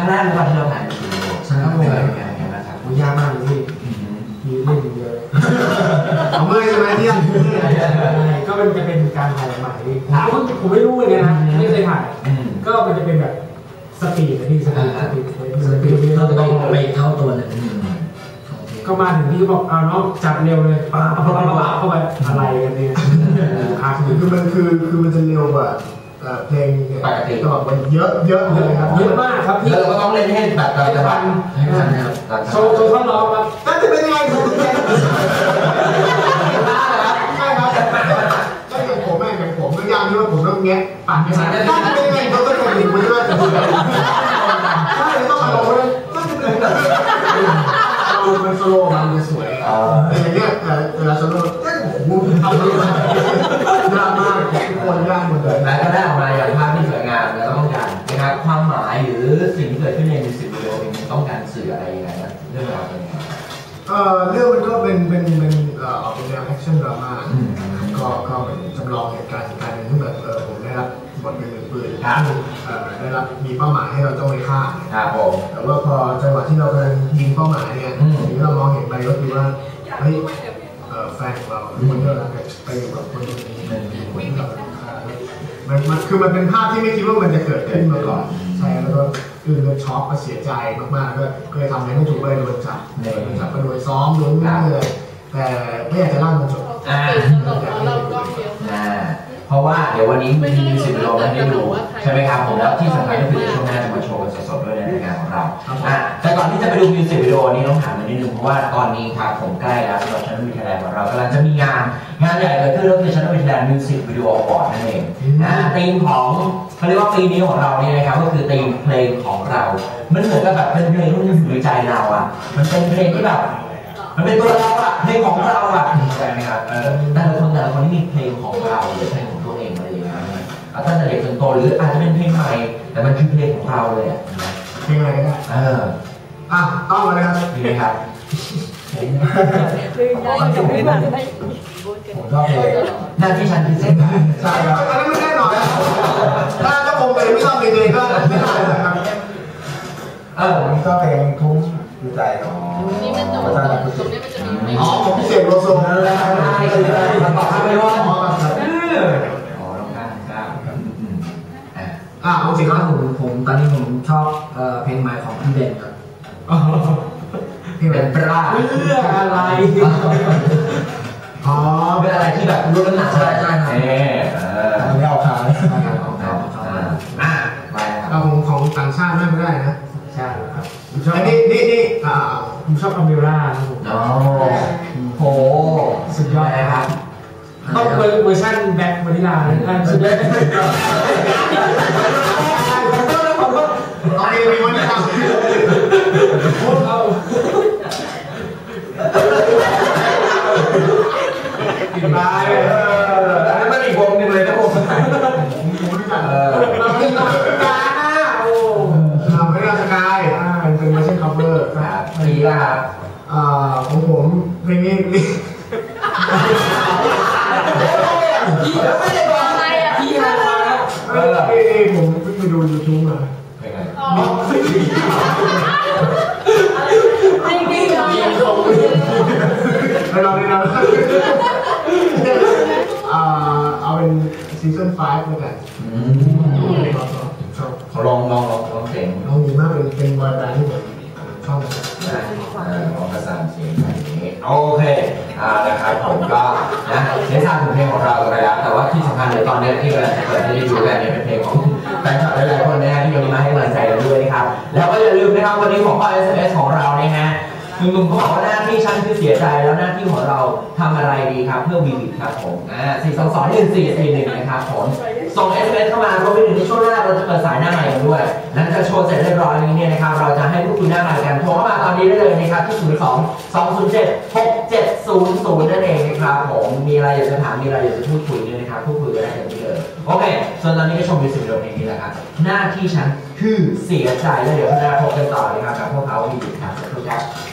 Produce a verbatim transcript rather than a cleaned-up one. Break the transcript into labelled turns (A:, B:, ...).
A: แรกวันที่เราถ่ายมิวสิกวิดีโอใช่ครับผมนะครับ
B: มันยากมากเลยพี่มีเล่นเยอะเอาเมื่อใช่ไหมที่ก็มันจะเป็นการถ่ายใหม่ผมผมไม่รู้เหมือนกันนะไม่เคยถ่ายก็มันจะเป็นแบบสปีดนะพี่สปีดสปีดสปีดเราจะต้องไปเข้าตัวเลยก็มาถึงที่เขาบอกเอาน้องจับเร็วเลยป้าป้าป้าป้าเข้าไปอะไรกันเนี่ยคือมันคือคือมันจะเร็วกว่าเพลงปกติก็มันเยอะเยอะเลยครับเยอะมากครับพี่
A: เราก็ต้องเล่นให้แบบเราจะฟัง
B: โชว์โชว์ท่อนร้องครับก็จะเป็นยังไงผมใช่ครับก็อย่างผมแม่อย่างผมก็ยากที่ว่าผมต้องแงะปั่นไม่ใช่ก็จะเป็นยังไงเขาต้องแข่งหนึ่งไปด้วยแต่ผมใช่ต้องมาลงเลยก็จะเป็นเรามันโซโล่มันจะสวยแต่อย่างเงี้ยเวลาโซโล่ก็โอ้โหทำได้ยากมากทุกคนยากหมดเลย
A: และก็ได้ออกมาอย่างภาพที่สวยงามและต้องการนะครับความหมายหรือสิ่งที่เกิดขึ้นในมิวสิกวิดีโอมันต้องการสื่ออะไรยังไงนะเรื่องราวเป็นยังไง
B: เอ่อเรื่องมันก็เป็นเป็นเป็นเอ่อออกเป็นแนวแอคชั่นดราม่าก็ก็เหมือนจำลองเหตุการณ์เหตุการณ์หนึ่งที่แบบเออผมได้รับบทเป็นมือปืนได้รับมีเป้าหมายให้เราต้องไปฆ่า
A: ครับผม
B: แต่ว่าพอจังหวะที่เรากำลังยิงเป้าหมายเนี่ยสิ่งที่เรามองเห็นไปก็คือว่าเฮ้ยแฟนของเราคนที่เรารักไปอยู่กับคนนี้คนที่เราฆ่ามันมันคือมันเป็นภาพที่ไม่คิดว่ามันจะเกิดขึ้นมาก่อนใช่แล้วก็คือเราช็อกก็เสียใจมากๆก็เคยทำในไม่ถูกเลยโดนจับโดนจับก็โดนซ้อมโดนนั่งเลยแต่ไม่อยากจะเล่ามันจบ
A: อ่าอ่าเพราะว่าเดี๋ยววันนี้มีมิวสิกวิดีโอมาให้ดูใช่ไหมครับผมแล้วที่สำคัญก็คือช่วงหน้าจะมาโชว์กันสดๆด้วยในรายการของเราอ่าแต่ก่อนที่จะไปดูมิวสิกวิดีโอนี้ต้องถามนิดนึงเพราะว่าตอนนี้ครับผมใกล้แล้วสำหรับชั้นวิทยาลัยของเรากำลังจะมีงานงานใหญ่เกิดขึ้นก็คือชั้นวิทยาลัยมิวสิกวิดีโออวอร์ดนั่นเองนะธีมของเขาเรียกว่าปีนี้ของเราเนี่ยนะครับก็คือธีมเพลงของเรามันเหมือนกับแบบเป็นเพลงที่อยู่ในใจเราอ่ะมันเป็นเพลงที่แบบมันเป็นตัวเราอะเพลงของเราอะใช่ไหมครับแต่ละคนแต่ละคนที่มีเพลงของเราหรือเพลงของตัวเองอะไรอย่างเงี้ยตั้งแต่เด็กจนโตหรืออาจจะเป็นเพลงใหม่แต่มันคือเพลงของเราเลยอะ
B: เพลงอะไรก็ได้เอออ่ะต้องเลยครับ
A: ดีไหมครับ
B: ผมชอบเพลง
A: หน้าที่ฉันพิเศษ
B: ใช่ครับอันนี้ไม่แน่นอนถ้าถ้าผมเป็นไม่ชอบเพลงเลยก็ไม่ได้เลยครับ
A: เออ
B: ผมชอบเพลงทุ่งดูใจของ
C: นี่มันจะตรงนี้มันจะมี
B: อ๋อผมพิเศษโลโซ
A: นั่นแหละใช่คือมันบอกให้ว่า
B: อ๋อครับ
A: อ๋อลองการกล้า
B: อ่าอ่าเอาจริงแล้วผมผมตอนนี้ผมชอบเพลงใหม่ของพี่เบนครับ
A: เพลงเป็นปลา
B: เรื่องอะไรอ๋อ
A: เป็นอะไรที่แบบรู้น้ำหนักใช่ใช่
B: ใช่ไม่เอาขา
A: ของเขาอ่าไป
B: เอาของของต่างชาติไม่ได้นะใช่ครับอันนี้นี่นี่อ่าผมชอบอเมร่าครับผม
A: อ๋อโห
B: สุดยอดนะครับต้องเวอร์ชันแบ็ควานิลาเลยนะสุดยอดโอเคมีวันนี้ทำพวกเราติดตายเลย
A: อันนี้มันอีกวงนึงเลยนะผม
B: เออเราไม่ต้องการนะโอ้เราไม่ได้สกายอ่าเป็นมาเช่นคัฟเวอร์
A: ครับปีละครับ
B: อ่าของผมเพลงนี้นี่
C: พี่ไม่ได้บอกอะไรอ่ะพี่มาแล้ว
B: เออเอ้ยผมเพิ่งไปดูยูทูบมา
A: เพลงอะไร
C: อ๋อจริงจริง
B: เราเราเราอ่าเอาเป็นซีซั่นห้าแล้วกัน
A: เขาลองลองลองลองเสียง
B: ลองดีมากเป็นเป็นบอยแบนด์ที่ผมชอบ
A: นะลองประสานเสียงแบบนี้โอเคอ่านะครับผมก็นะได้ทราบถึงเพลงของเราไปแล้วแต่ว่าที่สำคัญเลยตอนนี้ที่กำลังจะเปิดให้ได้ดูกันเนี่ยเป็นเพลงของแฟนคลับหลายๆคนนะฮะที่วันนี้มาให้กำลังใจกันด้วยนะครับแล้วก็อย่าลืมนะครับวันนี้ของข้อ เอส เอ็ม เอส ของเราเนี่ยฮะหนุ่มๆเขาบอกว่าหน้าที่ฉันคือเสียใจแล้วหน้าที่ของเราทำอะไรดีครับเพื่อวีวิดครับผมอ่าสี่สองสองหนึ่งสี่สี่หนึ่งนะครับผมส่ง เอส เอ็ม เอส เข้ามารวมไปถึงในช่วงหน้าเราจะเปิดสายหน้าใหม่กันด้วยหลังจากโชว์เสร็จเรียบร้อยนี้เนี่ยนะครับเราจะให้พูดคุยหน้าใหม่กันโทรเข้ามาตอนนี้ได้เลยนะครับที่ศูนย์สองสองศูนย์เจ็ดหกเจ็ดศูนย์ศูนย์นั่นเองนะครับผมมีอะไรอยากจะถามมีอะไรอยากจะพูดคุยเนี่ยนะครับพูดคุยกันได้เต็มที่เลยโอเคส่วนตอนนี้ก็ชมมิวสิกวิดีโอเพลงนี้แหละครับหน้าที่ฉันคือเสียใจแล้วเดี๋ยวหน้าพบกันต่อนะครับกับพวกเขาวีวิดครับสวัสดีครับ